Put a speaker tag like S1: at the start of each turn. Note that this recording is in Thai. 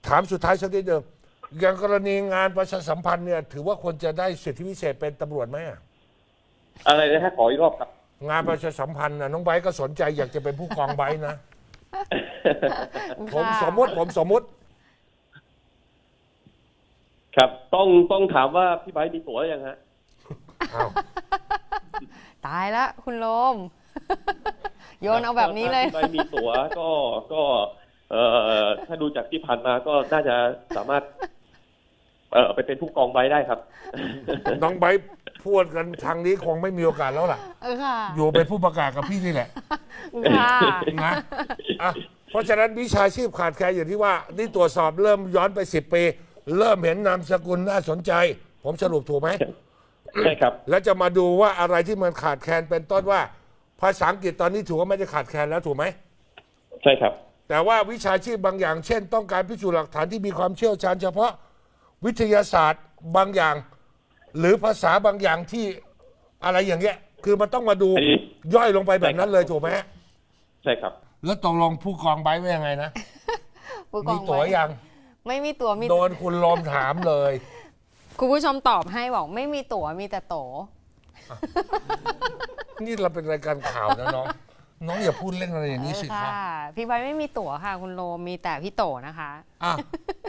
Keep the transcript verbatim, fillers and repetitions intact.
S1: ถามสุดท้ายสักนิดเดิมอย่างกรณีงานประชาสัมพันธ์เนี่ยถือว่าควรจะได้สิทธิพิเศษเป็นตำรวจไหมอะ
S2: อะไรนะฮะขออีกรอบครับ
S1: งานประชาสัมพันธ์นะน้องไบร์ทก็สนใจอยากจะเป็นผู้กองไบร์ทนะ ผมสมมติผมสมมติ
S2: ครับต้องต้องถามว่าพี่ไบร์ทมีตั๋วหรือยังฮะ
S1: อ้าว
S3: ตายละคุณโลม โยนเอาแบบนี้เลย
S2: ถ้าพี่ไบร์ทมีตั๋วก็ก็เอ่อถ้าดูจากที่ผ่านมาก็น่าจะสามารถเอ่อไปเป็นผู้กองไบร์ทได้ครับ
S1: น้องไบร์ทพูดกันทางนี้คงไม่มีโอกาสแล้วล่ะ
S3: เออค่ะ
S1: อยู่เป็นผู้ประกาศกับพี่นี่แหละ
S3: ค่ะ
S1: นะอ่ะเพราะฉะนั้นวิชาชีพขาดแคลนอย่างที่ว่า นี่ตรวจสอบเริ่มย้อนไปสิบปี เริ่มเห็นนามสกุลน่าสนใจ ผมสรุปถูกไหม
S2: ใช่ครับ
S1: แล้วจะมาดูว่าอะไรที่มันขาดแคลนเป็นต้นว่า ภาษาอังกฤษตอนนี้ถือว่าไม่ได้ขาดแคลนแล้วถูกไหม
S2: ใช่ครับ
S1: แต่ว่าวิชาชีพบางอย่าง เช่น ต้องการพิสูจน์หลักฐานที่มีความเชี่ยวชาญเฉพาะวิทยาศาสตร์บางอย่าง หรือภาษาบางอย่างที่อะไรอย่างเงี้ย คือมันต้องมาดู
S2: อันนี้
S1: ย่อยลงไปแบบนั้นเลยถูกไหมฮะ
S2: ใช่ครับ
S1: แล้วตกลงผู้กองไบร์ทว่ายังไงนะ
S3: ผู้ก
S1: มี
S3: อง
S1: ตั๋ว
S3: ไว้
S1: ยัง
S3: ไม่มีตั๋วมี
S1: โดนคุณลมถามเลย
S3: คุณผู้ชมตอบให้บอกไม่มีตั๋วมีแต่โต
S1: นี่เราเป็นรายการข่าวนะน้อง น้องอย่าพูดเล่นอะไรอย่างนี้สิ
S3: เออ
S1: ครับ
S3: ค่ะ พี่ใบร์ทไม่มีตั๋วค่ะ คุณโลมมีแต่พี่โตนะคะ
S1: อ่ะ